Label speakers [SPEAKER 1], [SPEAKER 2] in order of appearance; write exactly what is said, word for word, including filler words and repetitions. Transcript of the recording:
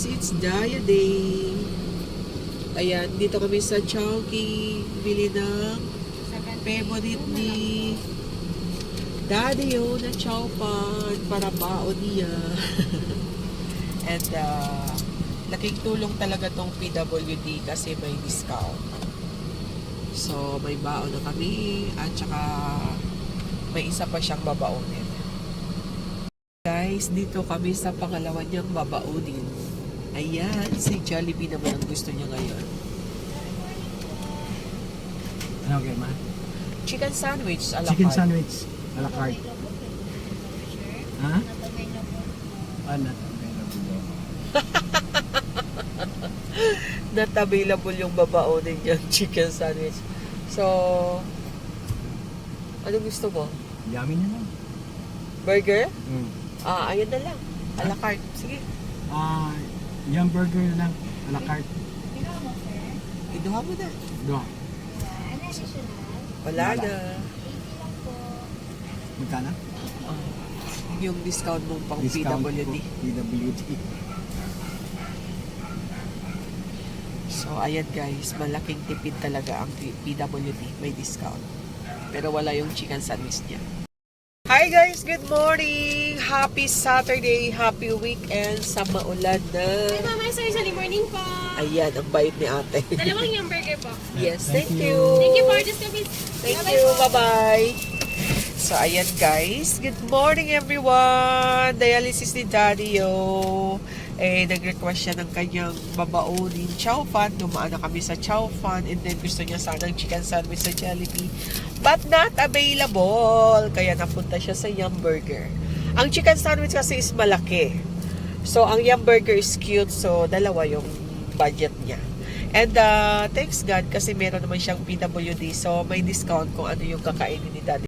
[SPEAKER 1] it's Daya Day. Ayan, dito kami sa Chowking. Bili ng favorite ni Daddy O na chowpan para baon niya. And uh, laking tulong talaga tong P W D kasi may discount. So, may baon na kami at saka may isa pa siyang babaonin. Guys, dito kami sa pangalawa niyang babaonin. Ayan, si Jollibee naman ang gusto niya ngayon.
[SPEAKER 2] Ano okay, ma?
[SPEAKER 1] Chicken sandwich a la
[SPEAKER 2] Chicken
[SPEAKER 1] carte.
[SPEAKER 2] sandwich a la carte. Ha? Ah, not available.
[SPEAKER 1] Not available yung babaonin niyang chicken sandwich. So, ano gusto mo?
[SPEAKER 2] Yummy na lang.
[SPEAKER 1] Burger?
[SPEAKER 2] Mm.
[SPEAKER 1] Ah, ayun na lang. A la carte. Sige.
[SPEAKER 2] Ah, yung burger na lang a la carte.
[SPEAKER 1] Iduha mo na.
[SPEAKER 2] Do.
[SPEAKER 1] Wala
[SPEAKER 2] Wala.
[SPEAKER 1] na.
[SPEAKER 2] Magkano?
[SPEAKER 1] Ah, yung discount mo pang
[SPEAKER 2] Discount
[SPEAKER 1] P W D.
[SPEAKER 2] po, P W D.
[SPEAKER 1] So, ayan guys, malaking tipid talaga ang P W D. May discount. Pero wala yung chicken sandwich niya. Hi guys! Good morning! Happy Saturday! Happy weekend sa maulan na.
[SPEAKER 3] Hi, Mama. Sorry, sorry. Morning po.
[SPEAKER 1] Ayan, ang bait ni ate.
[SPEAKER 3] Dalawang yung burger po.
[SPEAKER 1] Yes,
[SPEAKER 2] Thank
[SPEAKER 1] thank
[SPEAKER 2] you.
[SPEAKER 1] you.
[SPEAKER 3] Thank you for this service.
[SPEAKER 1] Thank
[SPEAKER 3] Bye-bye
[SPEAKER 1] you.
[SPEAKER 3] po.
[SPEAKER 1] Bye-bye. So, ayan guys. Good morning everyone. Dialysis ni Daddy O. Eh, nag-request siya ng kanyang babaonin chow fan. Dumaan na kami sa chow fan. And then gusto niya sanang chicken sandwich sa Jollibee. But not available. Kaya napunta siya sa Yum Burger. Ang chicken sandwich kasi is malaki. So, ang Yum Burger is cute. So, dalawa yung budget niya. And uh, thanks God kasi meron naman siyang P W D. So, may discount kung ano yung kakainin ni Daddy.